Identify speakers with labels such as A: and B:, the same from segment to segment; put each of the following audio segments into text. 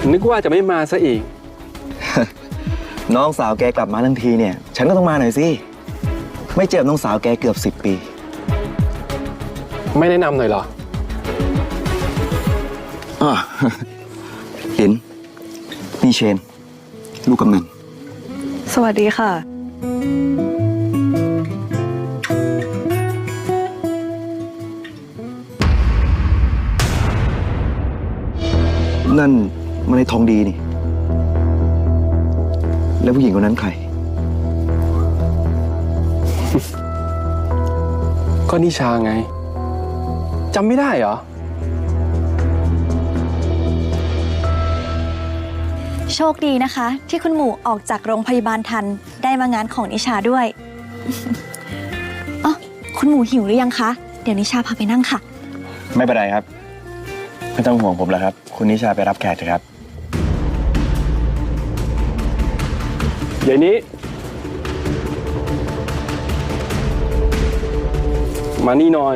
A: นึกว่าจะไม่มาซะอีก
B: น้องสาวแกกลับมาทั้งทีเนี่ยฉันก็ต้องมาหน่อยสิไม่เจอน้องสาวแกเกือบ10 ปี
A: ไม่แนะนำหน่อยเหรอ
B: ลินนี่เชนลูกกำนัน
C: สวัสดีค่ะ
B: นั่นมันในทองดีนี่แล้วผู้หญิงคนนั้นใคร
A: ก็นิชาไงจำไม่ได้เหรอ
D: โชคดีนะคะ ที่คุณหมู่ออกจากโรงพยาบาลทันได้มางานของนิชาด้วย อ๋อคุณหมู่หิวหรือยังคะ เดี๋ยวนิชาพาไปนั่งค่ะ
B: ไม่เป็นไรครับไม่ต้องห่วงผมแล้วครับคุณนิชาไปรับแขกเถอะครับ
A: เดี๋ยวนี้ มานี่หน่อย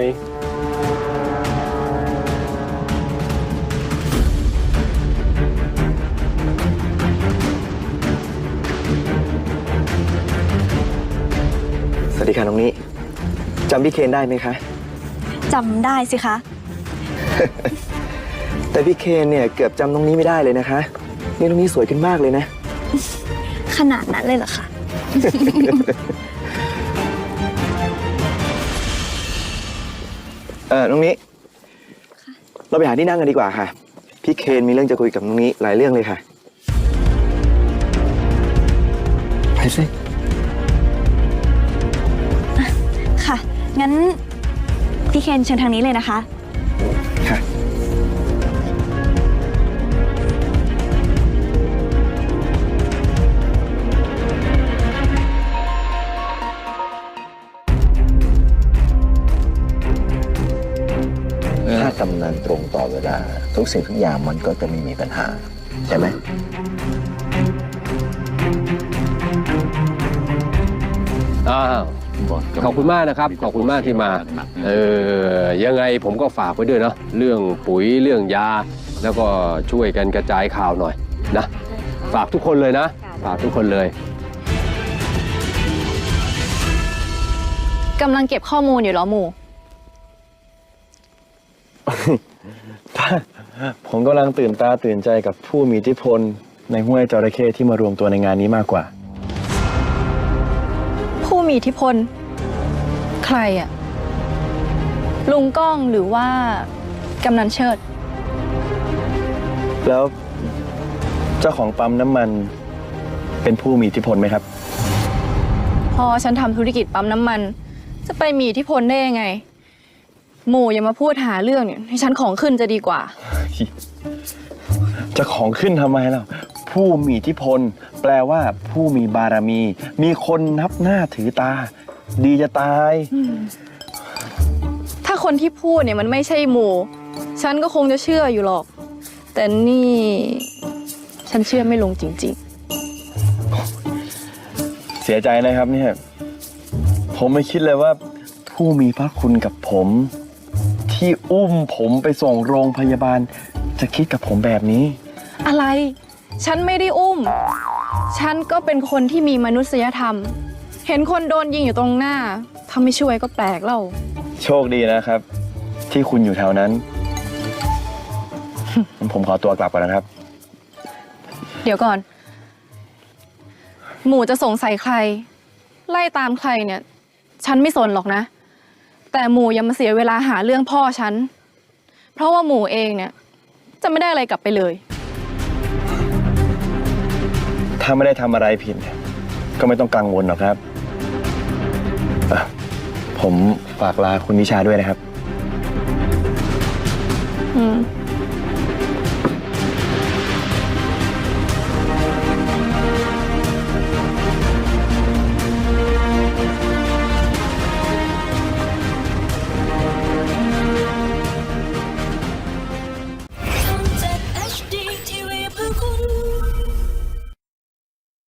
B: สวัสดีค่ะน้องนี้จำพี่เคนได้ไหมคะ
D: จำได้สิคะ
B: แต่พี่เคนเนี่ยเกือบจำน้องนี้ไม่ได้เลยนะคะนี่น้องนี้สวยขึ้นมากเลยนะ
D: ขนาดนั้นเลยเหรอคะ
B: น้องนี้เราไปหาที่นั่งกันดีกว่าค่ะพี่เคนมีเรื่องจะคุยกับน้องนี้หลายเรื่องเลยค่ะไปสิ
D: ค่ะ งั้นพี่เคนเชิญทางนี้เลยนะคะ
B: ค่ะ
E: ถ้าทำงานตรงต่อเวลาทุกสิ่งทุกอย่างมันก็จะไม่มีปัญหาใช่ไหม
F: ขอบคุณมากนะครับขอบคุณมากที่มายังไงผมก็ฝากไว้ด้วยเนาะเรื่องปุ๋ยเรื่องยาแล้วก็ช่วยกันกระจายข่าวหน่อยนะฝากทุกคนเลยนะฝากทุกคนเลย
C: กำลังเก็บข้อมูลอยู่เหรอหมู่
B: ผมกำลังตื่นตาตื่นใจกับผู้มีอิทธิพลในห้วยจระเข้ที่มารวมตัวในงานนี้มากกว่า
C: ผู้มีอิทธิพล ใครอะลุงก้องหรือว่ากำนันเชิด
B: แล้วเจ้าของปั๊มน้ำมันเป็นผู้มีอิทธิพลไหมครับ
C: พอฉันทำธุรกิจปั๊มน้ำมัน จะไปมีอิทธิพลได้ยังไง หมู่อย่ามาพูดหาเรื่องเนี่ยให้ฉันของขึ้นจะดีกว่า
B: จะของขึ้นทำไมล่ะผู้มีอิทธิพล แปลว่าผู้มีบารมี มีคนนับหน้าถือตา ดีจะตาย
C: ถ้าคนที่พูดเนี่ยมันไม่ใช่หมู่ ฉันก็คงจะเชื่ออยู่หรอก แต่นี่ฉันเชื่อไม่ลงจริง
B: เสียใจนะครับเนี่ยผมไม่คิดเลยว่าผู้มีพระคุณกับผม ที่อุ้มผมไปส่งโรงพยาบาลจะคิดกับผมแบบนี้
C: ๆ อะไร ฉันไม่ได้อุ้ม ฉันก็เป็นคนที่มีมนุษยธรรม เห็นคนโดนยิงอยู่ตรงหน้าถ้าไม่ช่วยก็แปลกเล่า
B: โชคดีนะครับ ที่คุณอยู่แถวนั้น ผมขอตัวกลับก่อนนะครับ
C: เดี๋ยวก่อน หมู่จะสงสัยใคร ไล่ตามใครเนี่ย ฉันไม่สนหรอกนะ แต่หมู่อย่ามาเสียเวลาหาเรื่องพ่อฉัน เพราะว่าหมู่เองเนี่ย จะไม่ได้อะไรกลับไปเลย
B: ถ้าไม่ได้ทำอะไรผิดก็ไม่ต้องกังวลหรอกครับผมฝากลาคุณนิชาด้วยนะครับ
C: อืม